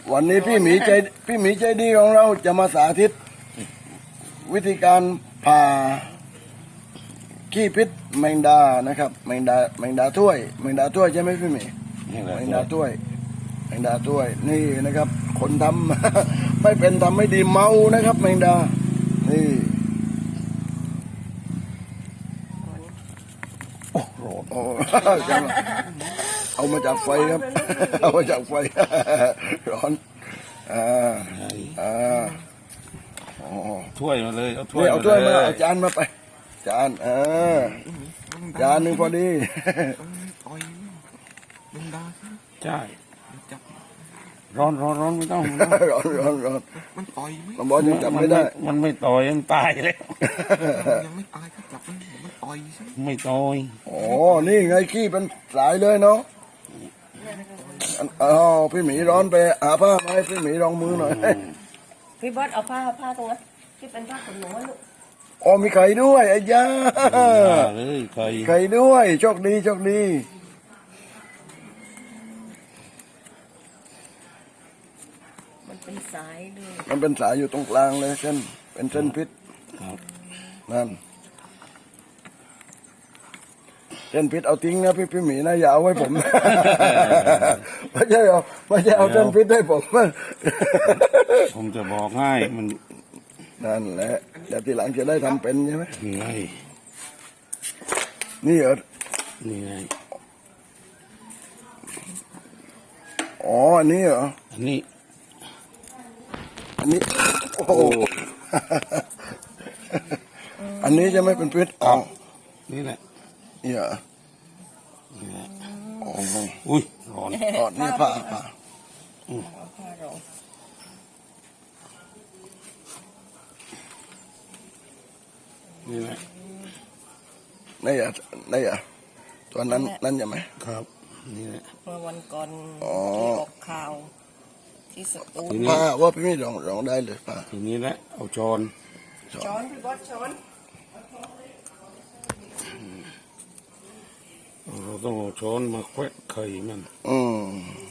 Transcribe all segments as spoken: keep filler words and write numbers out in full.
วันนี้พี่หมีใจพี่หมีใจดีของเราจะมาสาธิต วิธีการผ่าขี้พิษแมงดานะครับแมงดาแมงดาถ้วยแมงดาถ้วยใช่ไหมพี่หมีแมงดาถ้วยแมงดาถ้วยนี่นะครับ คนทำ ไม่เป็นทำไม่ดีเมานะครับ แมงดานี่โอ้โหเอามาจากไฟครับ เอามาจากไฟ ร้อนอ่าอ่าถ้วยมาเลยเอาถ้วยเอาถ้วยมาเอาจานมาไปจานเออจานหนึ่งพอดีใช่ร้อนร้อนร้อนไม่ต้องร้อนร้อนร้อนมันต่อยไหมมันบอกยังจับไม่ได้มันไม่ต่อยมันตายแล้วยังไม่ตายก็จับมันมันต่อยใช่ไหมไม่ต่อยอ๋อนี่ไงขี้เป็นสายเลยเนาะอ้าวพี่หมีร้อนไปหาผ้ามาให้พี่หมีรองมือหน่อยพี่บอสเอาผ้าผ้าตรงนั้นที่เป็นผ้าขนหนูอะลูกอ๋อมีไข่ด้วยไอ้ย่าเลยใครไข่ด้วยโชคดีโชคดีมันเป็นสายด้วยมันเป็นสายอยู่ตรงกลางเลยเส้นเป็นเส้นพิษครับนั่นเส้นพิษเอาทิ้งนะพี่พี่หมีนะอย่าเอาไว้ผม ไม่ใช่เอาไม่ใช่เอาเส้นพิษให้ผมผมจะบอกให้มันนั่นแหละเดี๋ยวทีหลังจะได้ทำเป็นใช่ไหมนี่ไงนี่เหรอนี่ไงอ๋ออันนี้เหรออันนี้อันนี้โอ้โห อันนี้จะไม่เป็นพิษอ๋อนี่แหละนี่เหรอนี่แหละอ๋ออุ้ยร้อนอ๋อนี่ผ้าผ้าเอาผ้ารองนี่แหละนี่เหรอนี่เหรอตัวนั้นนั่นใช่ไหมครับนี่แหละเมื่อวันก่อนอ๋อที่ออกข่าว ที่สตูลผ้าว่าพี่ไม่ลองลองได้เลยผ้าทีนี้แหละเอาช้อนช้อนพี่บอสช้อนเราต้องเอาช้อนมาแควะไข่มันอืม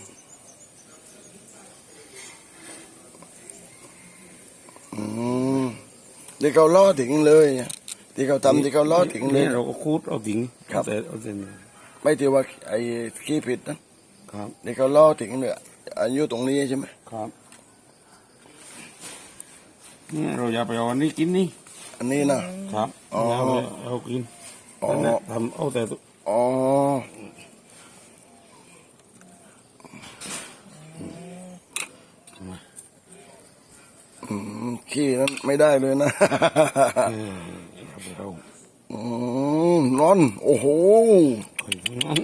อืมที่เขาล่อถึงเลยที่เขาทำที่เขาล่อถึงเลยนี่เราก็คูดเอาถึงครับแต่เอาเส้นไม่ที่ว่าไอ้ขี้ผิดนะครับ ที่เขาล่อถึงเนี่ยอายุตรงนี้ใช่ไหมครับนี่เราอย่าไปเอาอันนี้กินนี่อันนี้นะครับ อ๋ออย่าไปเอากินอ๋อนั่นแหละทำเอาแต่ตัวอ๋ออืมขี้นั้นไม่ได้เลยนะเอออย่าไปเอาอืมนอนโอ้โหไข่ทั้งนั้น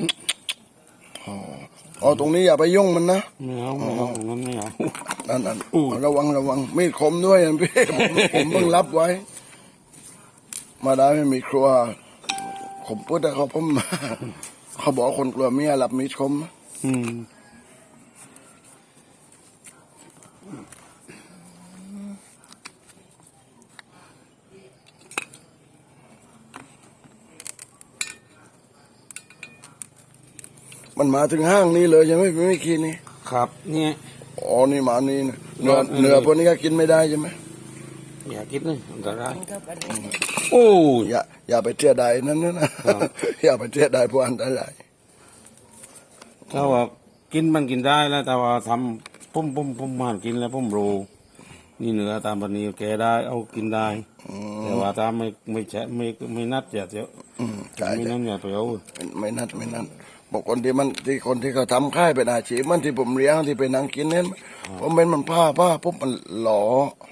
อ๋อตรงนี้อย่าไปยุ่งมันนะไม่เอาไม่เอาตรงนั้นไม่เอานั่นนั่นอู้ระวังระวังมีดคมด้วยนะพี่ ผมผมเพิ่งรับไว้ มาได้ไม่มีครัวผมพูดแต่เขาผม เขาบอกคนกลัวเมียหลับมีดคมอืมมันมาถึงห้างนี้เลยใช่ไหมพี่ไม่คิดนี่ครับเนี่ยอ๋อนี่มานี่นะเนื้อเออเนื้อพวกนี้ก็กินไม่ได้ใช่ไหมอย่ากินเลยอันตรายมันก็เป็นโอ้ยอย่าอย่าไปเที่ยใดนั่นนะ อย่าไปเที่ยใดพวกอันตรายถ้าว่ากินมันกินได้แล้วแต่ว่าทำปุ่มปุ่มปุ่มมันกินแล้วปุ่มโรนี่เนื้อตามปณีแกได้เอากินได้แต่ว่าถ้าไม่ไม่แฉะไม่ไม่นัดอย่าเดี๋ยวอืมใช่ไม่ใช่นั่นอย่าไปเอาไม่ไม่นัดไม่นัดบอกคนที่มันที่คนที่เขาทำค่ายเป็นอาชีพมันที่ผมเลี้ยงที่เป็นนางกินเนี่ยผมเป็นมันผ้าผ้าปุ๊บมันหล่อ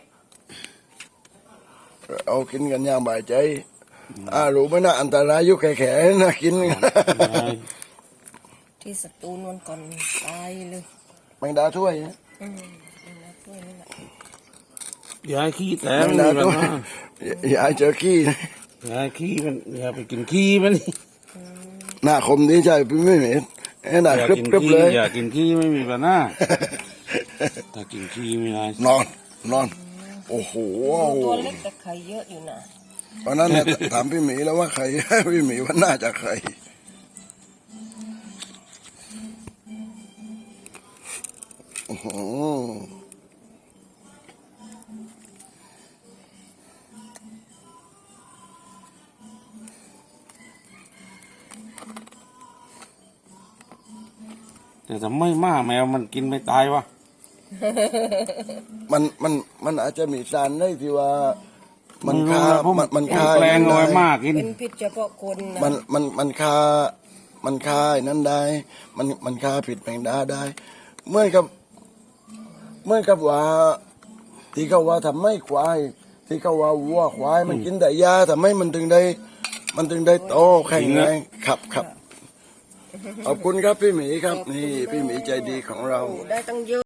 เอากินกันอย่างบ่ายใจอ่ารู้ไหมนะอันตรายอยุคแข่ๆนะกินที่สตูลวันก่อนตายเลยแมงดาถ้วยนะอืมเป็นน้ำถ้วยนี่แหละอย่าให้ขี้แต่แมงมันดามีปัญถ้วยหาอย่าให้เจอขี้นะอย่าให้ขี้มันอย่าไปกินขี้มันหน้าคมดีใจพี่ไม่เห็นไอ้หน้าอย่าครึบกินครึบขี้เลยอย่ากินขี้ไม่มีปัญหาถ้ากินขี้ไม่ได้นอนนอนโอ้โหตัวเล็กแต่ไข่เยอะอยู่นะตอนนั้นเนี่ยถามพี่หมีแล้วว่าใคร พี่หมีว่าน่าจะใครอื้อหือแต่ทำไมหมาแมวมันกินไม่ตายวะมันมันมันอาจจะมีสารได้ที่ว่า มันไรู้คานะผมมันมันผมคาแปลงเอาไว้ได้มากกินเป็นพิษเฉพาะคนนะมันมันมันคา มันคาไอ้นั้นได้ มันมันคาผิดแมงดาได้เหมื่อนกับเหมื่อนกับว่า ที่เขาว่าทำไม่ควาย ที่เขาว่าวัวควาย มันกินแต่ยาทำไมมันถึงได้ มันถึงได้โตแข็งแรงครับครับขอบคุณครับพี่หมีครับ นี่พี่หมีใจดีของเราได้ตั้งเยอะ